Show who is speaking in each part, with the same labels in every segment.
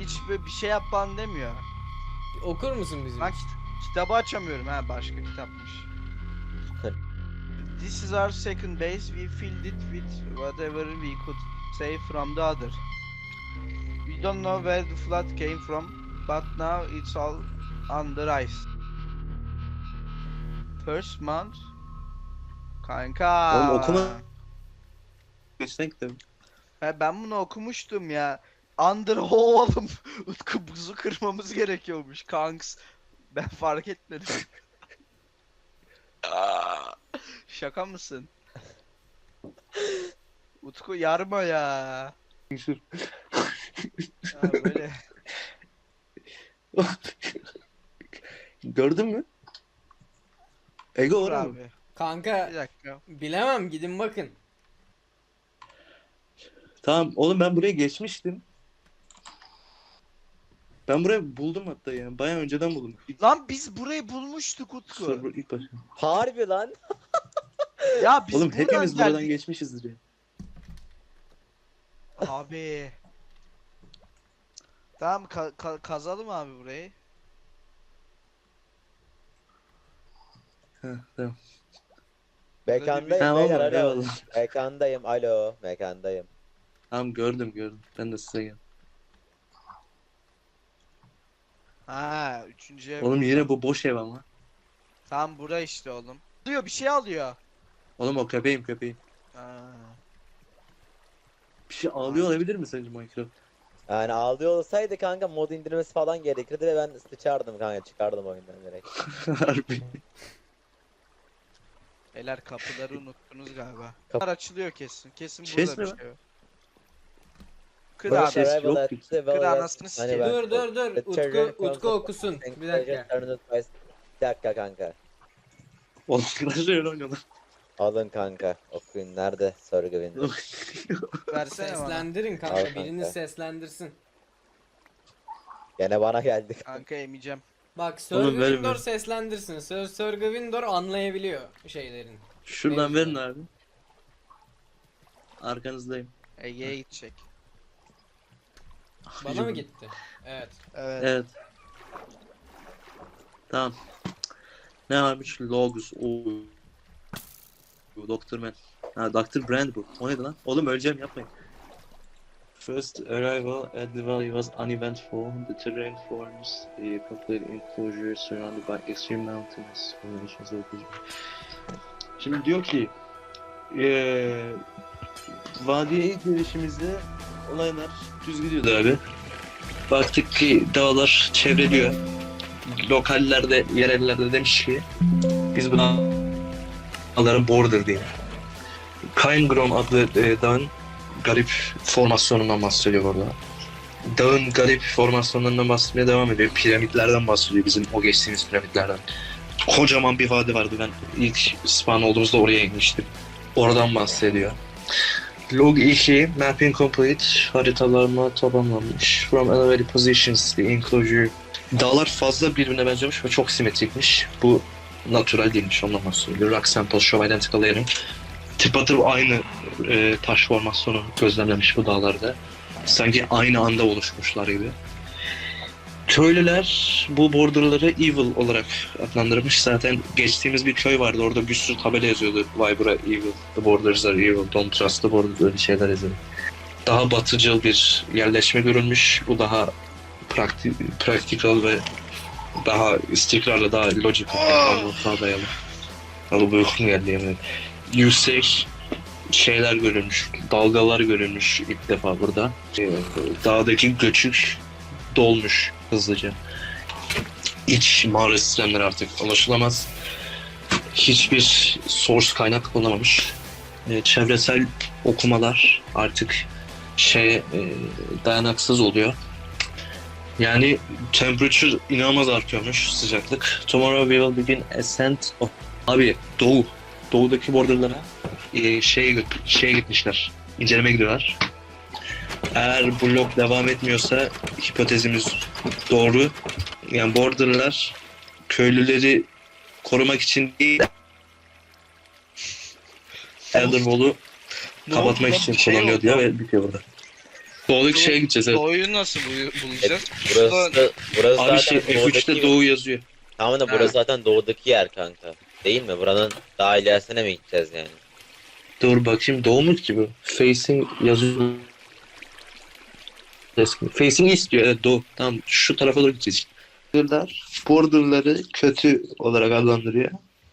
Speaker 1: hiç bir şey yap falan demiyor.
Speaker 2: Okur musun bizim
Speaker 1: Ben
Speaker 2: için?
Speaker 1: kitabı açamıyorum ha, başka kitapmış. This is our second base. We filled it with whatever we could save from the other. We don't know where the flood came from, but now it's all under ice. First month.
Speaker 3: Oğlum
Speaker 1: Kanka.
Speaker 3: okuma geçen kitabı.
Speaker 1: He, ben bunu okumuştum ya. Under oğlum. Utku, buzu kırmamız gerekiyormuş kanks. Ben fark etmedim. Aa, şaka mısın? Utku yarma ya. Ha, böyle.
Speaker 3: Gördün mü? Ego
Speaker 1: Dur
Speaker 3: var mı?
Speaker 1: abi.
Speaker 2: Kanka
Speaker 1: Bir dakika.
Speaker 2: bilemem, gidin bakın.
Speaker 3: Tamam oğlum, ben buraya geçmiştim. Ben burayı buldum hatta yani. Bayağı önceden buldum.
Speaker 1: Lan biz burayı bulmuştuk Utku.
Speaker 3: Server ilk başta.
Speaker 4: Harbi lan.
Speaker 1: Ya biz
Speaker 3: Oğlum
Speaker 1: buradan
Speaker 3: hepimiz buradan
Speaker 1: geldik.
Speaker 3: geçmişizdir ya.
Speaker 1: Abi. Tamam, kazalım abi burayı.
Speaker 3: Heh, tamam.
Speaker 4: Mekandayım
Speaker 3: Tamam
Speaker 4: beyler,
Speaker 3: oğlum,
Speaker 4: alo.
Speaker 3: eyvallah.
Speaker 4: Mekandayım, alo. Mekandayım.
Speaker 3: Tamam, gördüm. Ben de size geldim.
Speaker 1: Ha, üçüncü ev.
Speaker 3: Oğlum yine bu boş ev ama.
Speaker 1: Tam bura işte oğlum. Alıyor, bir şey alıyor.
Speaker 3: Oğlum o köpeğim.
Speaker 1: Ha.
Speaker 3: Bir şey ağlıyor olabilir mi sence Minecraft?
Speaker 4: Yani ağlıyor olsaydı kanka mod indirmesi falan gerekirdi ve ben sıçardım kanka, çıkardım oyundan direkt.
Speaker 3: Harbi.
Speaker 1: Beyler, kapıları unuttunuz galiba.
Speaker 4: Kapı-
Speaker 1: Bunlar açılıyor kesin. Kesin
Speaker 3: Chest
Speaker 1: burada bir
Speaker 3: mi
Speaker 1: şey var. Kır
Speaker 4: Böyle
Speaker 1: abi.
Speaker 3: şey-
Speaker 4: survival
Speaker 3: yok
Speaker 4: at
Speaker 3: ki.
Speaker 4: the
Speaker 1: Kır
Speaker 4: well
Speaker 1: anasını
Speaker 4: as-
Speaker 1: sikeyim.
Speaker 4: ben-
Speaker 2: Dur.
Speaker 4: The children
Speaker 2: Utku
Speaker 4: comes
Speaker 2: okusun.
Speaker 4: up-
Speaker 2: Bir dakika.
Speaker 4: Bir dakika kanka.
Speaker 3: Oğlum Clash Royale oynuyorlar.
Speaker 4: Alın kanka. Okuyun, nerede sorgu window?
Speaker 1: Versene bana.
Speaker 2: Seslendirin
Speaker 4: Al
Speaker 2: kanka.
Speaker 4: kanka.
Speaker 2: Biriniz seslendirsin.
Speaker 4: Gene bana geldi.
Speaker 1: Kanka emeceğim.
Speaker 2: Bak
Speaker 3: Oğlum,
Speaker 2: Sörgü
Speaker 3: ver,
Speaker 2: Windor
Speaker 3: ver.
Speaker 2: seslendirsin. Sörgü Windor anlayabiliyor şeylerin.
Speaker 3: Şuradan
Speaker 2: Mevzu.
Speaker 3: verin abi. Arkanızdayım.
Speaker 1: Ege'ye gidecek.
Speaker 2: Bana mı gitti? Evet.
Speaker 1: Evet.
Speaker 3: Evet. Tamam. Ne varmış? Logs. Oo. Doktor Man. Ha, Dr. Brand bu. O neydi lan? Oğlum öleceğim, yapmayın. First arrival at the valley was uneventful. The terrain forms a complete enclosure surrounded by extreme mountains. Şimdi diyor ki vadiye ilk gelişimizde olaylar düz gidiyordu abi. Baktık ki dağlar çevreliyor. Lokallerde, yerellerde demiş ki biz bu dağların border diye. Cairngorm adlı dağın garip formasyonundan bahsediyor burada. Dağın garip formasyonlarından bahsetmeye devam ediyor. Piramitlerden bahsediyor, bizim o geçtiğimiz piramitlerden. Kocaman bir vadi vardı, ben ilk spawn olduğumuzda oraya inmiştim. Oradan bahsediyor. Log 2, mapping complete, haritalarına tamamlanmış. From elevated positions, the enclosure. Dağlar fazla birbirine benziyormuş ve çok simetrikmiş. Bu natural değilmiş, ondan bahsediyor. Rock sample show identical layering. Tıpatıp aynı taş formasyonu gözlemlemiş bu dağlarda. Sanki aynı anda oluşmuşlar gibi. Köylüler bu borderları evil olarak adlandırmış. Zaten geçtiğimiz bir köy vardı. Orada bir sürü tabela yazıyordu. Vay bura evil. The borders are evil. Don't trust the borders. Öyle şeyler yazıyordu. Daha batıcıl bir yerleşme görülmüş. Bu daha practical ve daha istikrarlı, daha logical. Daha dayalı. Ama bu uykum geldi yemin. Yüksek şeyler görülmüş. Dalgalar görülmüş ilk defa burada. Dağdaki göçük dolmuş hızlıca. İç mağara sistemleri artık ulaşılamaz. Hiçbir source kaynak bulunamamış. Çevresel okumalar artık dayanaksız oluyor. Yani temperature inanılmaz artıyormuş, sıcaklık. Tomorrow we will begin ascent of... Abi doğudaki borderlara şeye gitmişler. İncelemeye gidiyorlar. Eğer bu log devam etmiyorsa hipotezimiz doğru. Yani borderlar köylüleri korumak için değil, Elder Wall'u kapatmak için kullanılıyor diyor ve bitiyor burada. Doğudaki şeye gideceğiz evet.
Speaker 1: Doğuyu nasıl bulacağız?
Speaker 4: Burası
Speaker 3: Abi
Speaker 4: zaten
Speaker 3: F3'te doğu yazıyor.
Speaker 4: Tamam da burası zaten doğudaki yer kanka. Değil mi? Buranın daha ilerisine mi gideceğiz yani?
Speaker 3: Dur bakayım doğu mu ki bu? Facing yazıyor. Facing istiyor evet doğu. Tamam şu tarafa doğru gideceğiz. Border'ları kötü olarak adlandırıyor.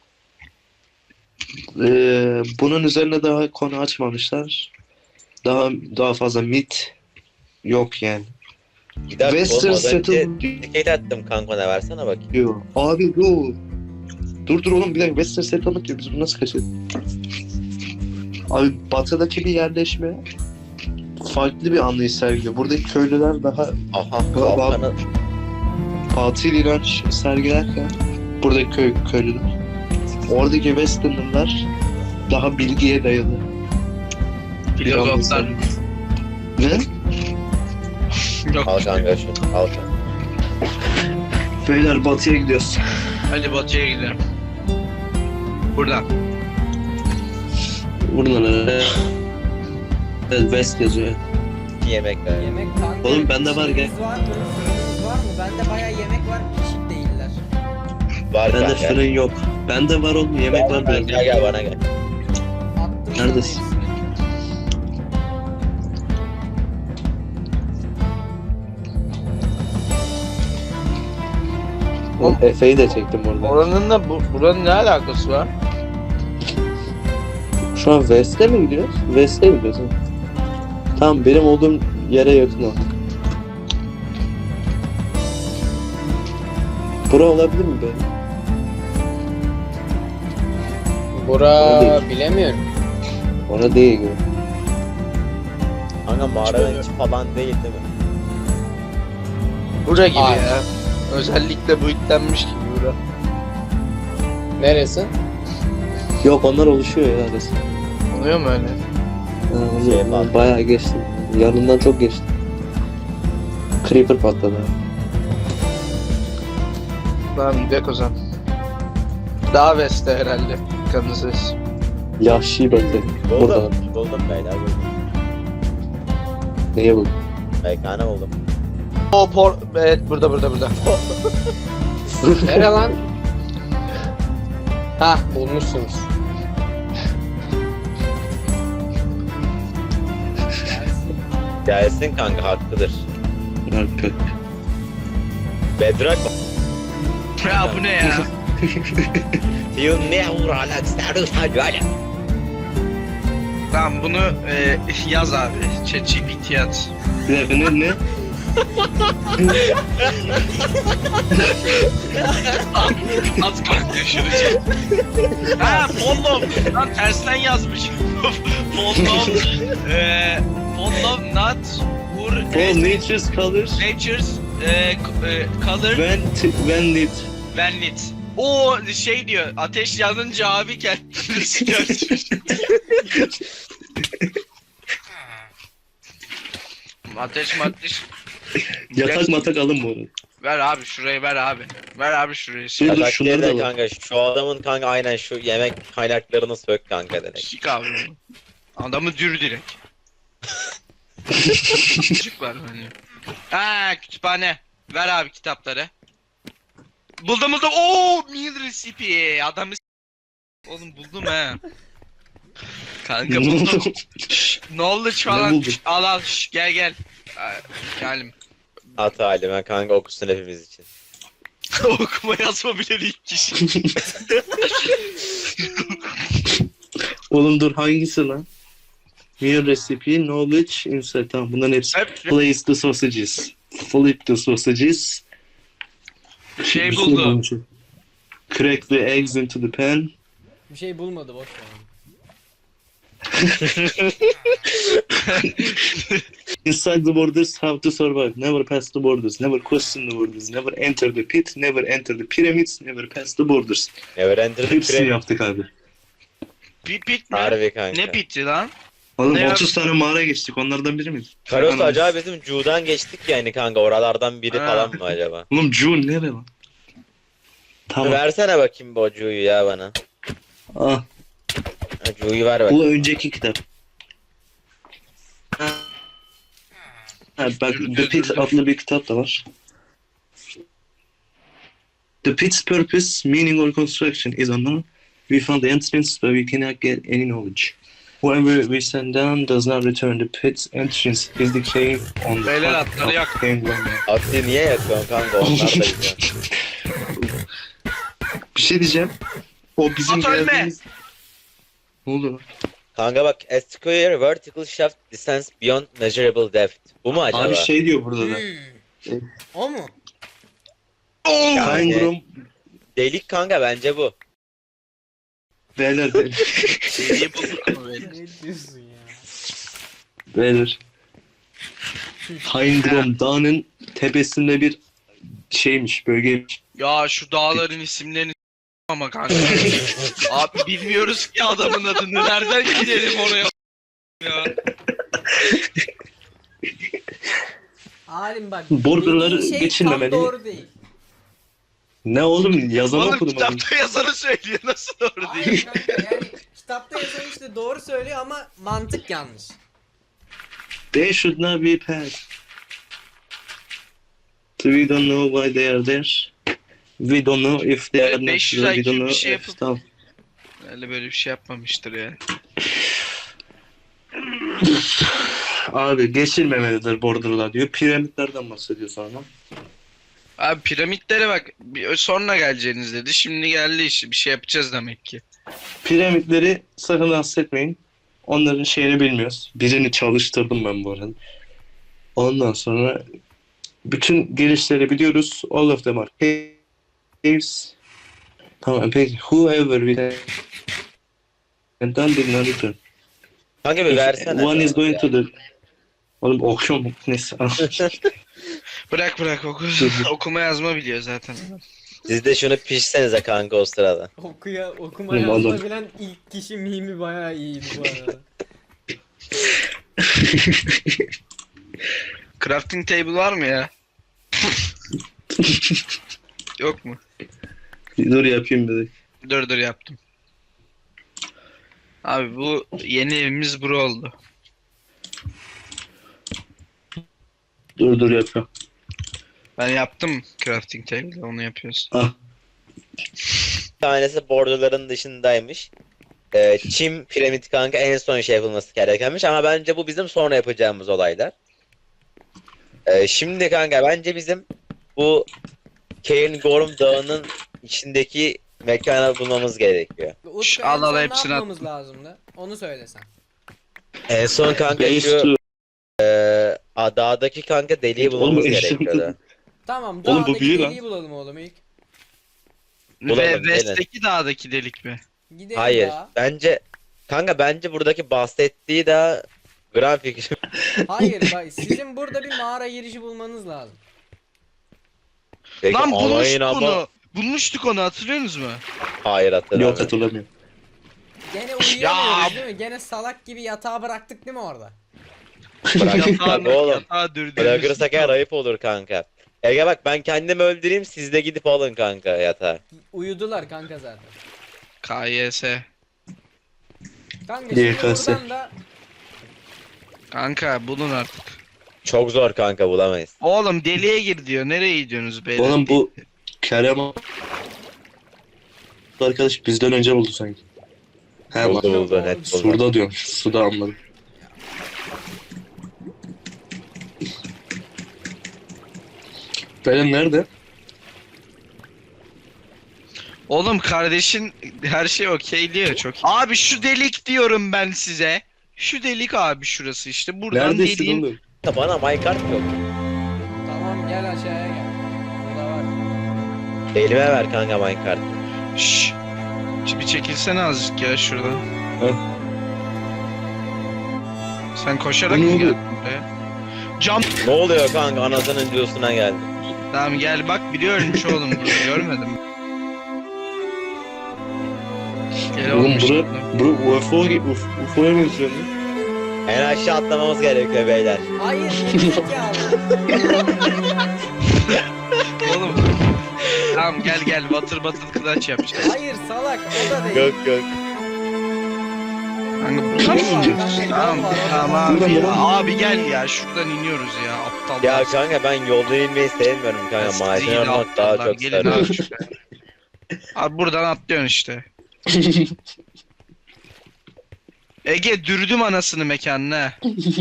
Speaker 3: Bunun üzerine daha konu açmamışlar. Daha fazla mit yok yani.
Speaker 4: Bir dakika
Speaker 3: Western
Speaker 4: oğlum az önce
Speaker 3: Settle
Speaker 4: ticket attım kanka ne versene bakayım.
Speaker 3: diyor. Abi dur. Dur oğlum bir dakika Western Settlement diyor. Biz bunu nasıl kaçırdık? Abi batıdaki bir yerleşme farklı bir anlayış sergiliyor. Buradaki köylüler daha
Speaker 4: Aha Balkan'ı
Speaker 3: batıl inanç sergilerken buradaki köylüler. Oradaki Westernlılar daha bilgiye dayalı.
Speaker 1: Filozoflar.
Speaker 3: Ne?
Speaker 1: Yok.
Speaker 4: al kanka şu al kanka.
Speaker 3: Beyler batıya gidiyoruz.
Speaker 1: Hadi batıya gidelim. Buradan.
Speaker 3: Buradan evet, West yazıyor.
Speaker 4: Yemek ver.
Speaker 2: Yemek kanka.
Speaker 3: Oğlum bende var, gel.
Speaker 2: şeyiniz var mı? Fırınınız var mı? Bende bayağı yemek var. Pişik değiller.
Speaker 4: Var
Speaker 3: Bende
Speaker 4: kanka.
Speaker 3: fırın yok. Bende var oğlum yemek var
Speaker 4: Gel
Speaker 3: bende.
Speaker 4: gel bana gel.
Speaker 2: Attım sana
Speaker 3: Neredesin?
Speaker 2: hepsini.
Speaker 3: Efe'yi de çektim orada.
Speaker 1: Oranın da buranın ne alakası var?
Speaker 3: Şu an West'e mi gidiyoruz? West'e gidiyoruz. Tamam benim olduğum yere yakın o. Bura olabilir mi böyle?
Speaker 2: Bura
Speaker 3: Değil.
Speaker 2: bilemiyorum.
Speaker 3: Ona değil gibi.
Speaker 4: Kanka mağaranın içi falan değil mi?
Speaker 1: Bura gibi
Speaker 2: Ay.
Speaker 1: ya. Özellikle bu yüklenmiş gibi bura.
Speaker 2: Neresi?
Speaker 3: Yok onlar oluşuyor ya arası.
Speaker 1: Oluyor mu öyle?
Speaker 4: Şey patladı.
Speaker 3: Bayağı geçti. Yanından çok geçti. Creeper patladı.
Speaker 1: Tamam gidelim o zaman. Daha west'te herhalde. Kansas.
Speaker 3: Yahşi batı. Burada.
Speaker 4: Buldum beyler buldum.
Speaker 3: Neye buldun?
Speaker 4: Mekanı buldum.
Speaker 1: Evet burada.
Speaker 2: Nere lan? Hah bulmuşsunuz.
Speaker 4: Gelsin kanka haklıdır.
Speaker 3: Arka.
Speaker 4: Bedrock
Speaker 1: Ya bu ne ya?
Speaker 4: ينور على تستعرض حاجة
Speaker 1: Tamam bunu yaz abi. ChatGPT'ye at.
Speaker 3: Bir dakika ne?
Speaker 1: Az kalktı şunu. Ha Pollov. Lan tersten yazmış. Pollov. Pollov not or
Speaker 3: For nature's colors
Speaker 1: nature's color
Speaker 3: when lit.
Speaker 1: when lit. O şey diyor. Ateş yanınca abi kendini sıkar. Ateş.
Speaker 3: Yatak matak alın bu arada.
Speaker 1: Ver abi şurayı ver abi. Ver abi şurayı.
Speaker 3: Dur,
Speaker 4: Yatak
Speaker 3: şunları
Speaker 4: değil
Speaker 3: da
Speaker 4: de
Speaker 3: al.
Speaker 4: kanka şu adamın kanka aynen şu yemek kaynaklarını sök kanka direkt.
Speaker 1: Sik abi. Adamı dür direkt. Çocuk var hani. Ha kütüphane. Ver abi kitapları. Buldum. Oo meal recipe. Adamı oğlum buldum he. Kanka buldum. Knowledge
Speaker 3: Ne
Speaker 1: falan.
Speaker 3: buldun?
Speaker 1: Al. Gel. Gelim.
Speaker 4: At halime kanka okusun hepimiz için.
Speaker 1: Okuma yazma bile değil kişi.
Speaker 3: Oğlum dur hangisi lan? Meal recipe, knowledge, insight. Tamam bunların hepsi.
Speaker 1: Hep
Speaker 3: Place the sausages. Flip the sausages.
Speaker 1: şey
Speaker 3: Bir
Speaker 1: buldu.
Speaker 3: bulmuşum. Crack the eggs into the pan.
Speaker 2: Bir şey bulmadı boş ver.
Speaker 3: Inside the borders, how to survive. Never pass the borders. Never question the borders. Never enter the pit. Never enter the pyramids. Never pass the borders.
Speaker 4: Never enter the
Speaker 3: Hepsini
Speaker 4: pyramid.
Speaker 3: yaptık abi.
Speaker 1: Pit mi?
Speaker 4: Harbi kanka.
Speaker 1: Ne piti lan?
Speaker 3: Oğlum
Speaker 1: Ne
Speaker 3: 30 tane mağara geçtik. Onlardan biri mi?
Speaker 4: Karos acaba bizim Cu'dan geçtik yani kanka oralardan biri
Speaker 1: Ha.
Speaker 4: falan mı acaba?
Speaker 3: Oğlum June nere lan? Tamam.
Speaker 4: Versene bakayım bu Cu'yu ya bana.
Speaker 3: Ah,
Speaker 4: Ha, Cu'yu ver bak.
Speaker 3: bu önceki kitap. Ha, bak The Pit adlı bir kitap da var. The pit's purpose, meaning or construction is unknown. We found the entrance but we cannot get any knowledge. Whoever we send down does not return. The pit's entrance is the cave on the
Speaker 1: Beyler
Speaker 3: top
Speaker 1: atları
Speaker 3: of
Speaker 1: yak.
Speaker 3: Cave One.
Speaker 4: Atlı niye yakıyorsun kanka? Onlar da gidiyor.
Speaker 3: Bir şey diyeceğim. O bizim
Speaker 1: At ölme!
Speaker 3: geldiğimiz... Ne oldu lan?
Speaker 4: Kanka bak, a square vertical shaft descends beyond measurable depth. Bu mu acaba?
Speaker 3: Abi şey diyor burada da.
Speaker 2: O mu?
Speaker 4: Yani-
Speaker 3: Kangrum
Speaker 4: Delik kanka, bence bu.
Speaker 3: beyler
Speaker 1: Şeyi bulduk ama beyler.
Speaker 2: Ne diyorsun ya?
Speaker 3: beyler. Kangrum dağının tepesinde bir şeymiş, bölgeymiş.
Speaker 1: Ya şu dağların isimlerini ama kanka. Abi bilmiyoruz ki adamın adını. Nereden gidelim oraya? Ya.
Speaker 2: Halim bak.
Speaker 3: Borderları
Speaker 2: dediğin şey
Speaker 3: geçilmemeli.
Speaker 2: tam doğru değil.
Speaker 3: Ne oğlum yazan
Speaker 1: Oğlum
Speaker 3: okudum. onu.
Speaker 1: kitapta yazanı söylüyor. Nasıl doğru
Speaker 2: Hayır
Speaker 1: değil?
Speaker 2: kanka, yani kitapta yazan işte doğru söylüyor ama mantık yanlış.
Speaker 3: They should not be passed. We don't know why they are there. We don't know if they
Speaker 1: Evet,
Speaker 3: are not.
Speaker 1: 500
Speaker 3: We
Speaker 1: IQ
Speaker 3: don't
Speaker 1: bir
Speaker 3: know
Speaker 1: şey
Speaker 3: if...
Speaker 1: yapıp-
Speaker 3: Tamam.
Speaker 1: Öyle böyle bir şey yapmamıştır ya.
Speaker 3: Abi geçilmemelidir borderlar diyor. Piramitlerden bahsediyor sonra.
Speaker 1: Abi piramitlere bak. Sonra geleceğiniz dedi. Şimdi geldi işte. Bir şey yapacağız demek ki.
Speaker 3: Piramitleri sakın bahsetmeyin. Onların şeyini bilmiyoruz. Birini çalıştırdım ben bu arada. Ondan sonra bütün gelişleri biliyoruz. All of them are caves. Tamam peki. Whoever we and done did not return.
Speaker 4: Kanka bir versene.
Speaker 3: One is going to the... Oğlum okuyor mu? Neyse.
Speaker 1: Bırak okuma yazma biliyor zaten.
Speaker 4: Siz de şunu pişsenize kanka o sırada.
Speaker 2: Okuma
Speaker 3: Oğlum,
Speaker 2: yazma
Speaker 3: adam-
Speaker 2: bilen ilk kişi mimi bayağı iyiydi bu arada.
Speaker 1: Crafting table var mı ya? Yok mu?
Speaker 3: Dur yapayım dedik.
Speaker 1: Dur yaptım. Abi bu yeni evimiz bura oldu.
Speaker 3: Dur yapıyorum.
Speaker 1: Ben yaptım crafting table, onu yapıyoruz.
Speaker 3: Ah.
Speaker 4: Bir tanesi borderların dışındaymış. Çim piramit kanka en son şey yapılması gerekenmiş ama bence bu bizim sonra yapacağımız olaylar. Şimdi kanka bence bizim bu Cairngorm Dağı'nın içindeki mekanı bulmamız gerekiyor.
Speaker 2: Utku,
Speaker 1: al,
Speaker 2: en son ne
Speaker 1: hepsini
Speaker 2: yapmamız lazımdı? Onu söylesen.
Speaker 4: En son kanka
Speaker 3: Base
Speaker 4: şu
Speaker 3: to...
Speaker 4: dağdaki kanka deliği
Speaker 3: Oğlum,
Speaker 4: bulmamız
Speaker 3: eşya-
Speaker 4: gerekiyordu.
Speaker 2: Tamam,
Speaker 3: Oğlum, bu
Speaker 2: dağdaki
Speaker 3: büyü lan.
Speaker 2: deliği bulalım oğlum ilk.
Speaker 4: Bulalım,
Speaker 1: Ve
Speaker 4: gelin.
Speaker 1: West'teki dağdaki delik mi?
Speaker 2: Gidelim
Speaker 4: Hayır
Speaker 2: dağa.
Speaker 4: bence buradaki bahsettiği daha grafik.
Speaker 2: Hayır bak, sizin burada bir mağara girişi bulmanız lazım.
Speaker 4: Peki,
Speaker 1: Lan
Speaker 4: alayın
Speaker 1: bulmuştuk
Speaker 4: ama-
Speaker 1: onu. Bulmuştuk onu, hatırlıyorsunuz mu?
Speaker 4: Hayır hatırlamıyorum.
Speaker 3: Yok hatırlamıyorum.
Speaker 2: Gene uyuyamıyoruz değil mi? Gene salak gibi yatağa bıraktık değil mi orada?
Speaker 4: Bırak oğlum.
Speaker 1: Yatağı dürdüğümüz.
Speaker 4: Bırakırsak eğer ayıp olur kanka. Ege bak ben kendimi öldüreyim siz de gidip alın kanka yatağı.
Speaker 2: Uyudular kanka zaten.
Speaker 1: KYS.
Speaker 2: Kanka
Speaker 3: Diye
Speaker 2: şimdi
Speaker 3: kalse.
Speaker 2: buradan da
Speaker 1: Kanka bulun artık.
Speaker 4: Çok zor kanka bulamayız.
Speaker 1: Oğlum deliğe gir diyor. Nereye gidiyorsunuz beyler?
Speaker 3: Oğlum bu Kerem arkadaş bizden önce buldu sanki. He bak.
Speaker 4: Buldu net buldu.
Speaker 3: Surda diyorum. Suda anladım. Benim nerede?
Speaker 1: Oğlum kardeşin her şey okey diyor, çok iyi. Abi şu delik diyorum ben size. Şu delik abi, şurası işte. Buradan
Speaker 3: Neredesin
Speaker 1: deliğin...
Speaker 3: oğlum?
Speaker 4: Bana minecart yok.
Speaker 2: tamam, gel aşağıya gel. Burada var.
Speaker 4: Elime ver kanka minecart.
Speaker 1: Şşş. Bir çekilsene azıcık ya şuradan. Sen koşarak
Speaker 3: Ne
Speaker 1: mı
Speaker 3: oldu?
Speaker 1: geldin buraya? Cam.
Speaker 4: Ne oluyor kanka anasının diyorsun'a geldi.
Speaker 1: Tamam gel bak, biliyormuş oğlum bunu, görmedim. Gel
Speaker 3: Oğlum
Speaker 1: oğlum işte.
Speaker 3: UFO'ya benziyor.
Speaker 4: En aşağı atlamamız gerekiyor beyler.
Speaker 2: Hayır, gerizekalı.
Speaker 1: Oğlum. Tamam gel water bottle clutch yapacağız.
Speaker 2: Hayır salak, o da değil.
Speaker 4: Yok.
Speaker 1: Kanka buradan mı
Speaker 2: Yol var,
Speaker 1: iniyoruz?
Speaker 2: kanka, yol
Speaker 1: Tamam
Speaker 2: var,
Speaker 1: tamam
Speaker 3: oradan
Speaker 1: abi ya.
Speaker 3: devam.
Speaker 1: Abi gel ya şuradan iniyoruz ya aptallar.
Speaker 4: Ya kanka ben yolda inmeyi sevmiyorum kanka.
Speaker 1: Sizi
Speaker 4: Macera
Speaker 1: gidi
Speaker 4: olmak daha
Speaker 1: aptallar,
Speaker 4: çok
Speaker 1: gelin
Speaker 4: sarıyor.
Speaker 1: abi şuraya. Abi buradan atlıyorsun işte. Ege dürdüm anasını mekanına.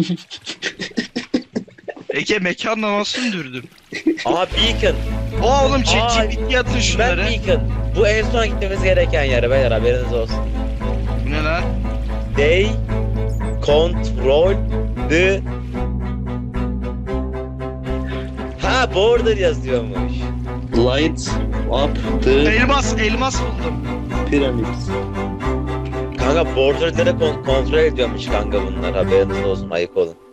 Speaker 1: Ege mekanla nasıl dürdüm?
Speaker 4: Aa Beacon.
Speaker 1: Oğlum
Speaker 4: Aa,
Speaker 1: ChatGPT'ye atın
Speaker 4: Ben
Speaker 1: şunları.
Speaker 4: Beacon. Bu en son gitmemiz gereken yer beyler, haberiniz olsun.
Speaker 1: Bu ne lan?
Speaker 4: They control the... Ha border yazıyormuş.
Speaker 3: Light up the
Speaker 1: Elmas buldum.
Speaker 3: pyramids.
Speaker 4: Kanka borderları kontrol ediyormuş kanka bunlar, haberiniz olsun, ayık olun.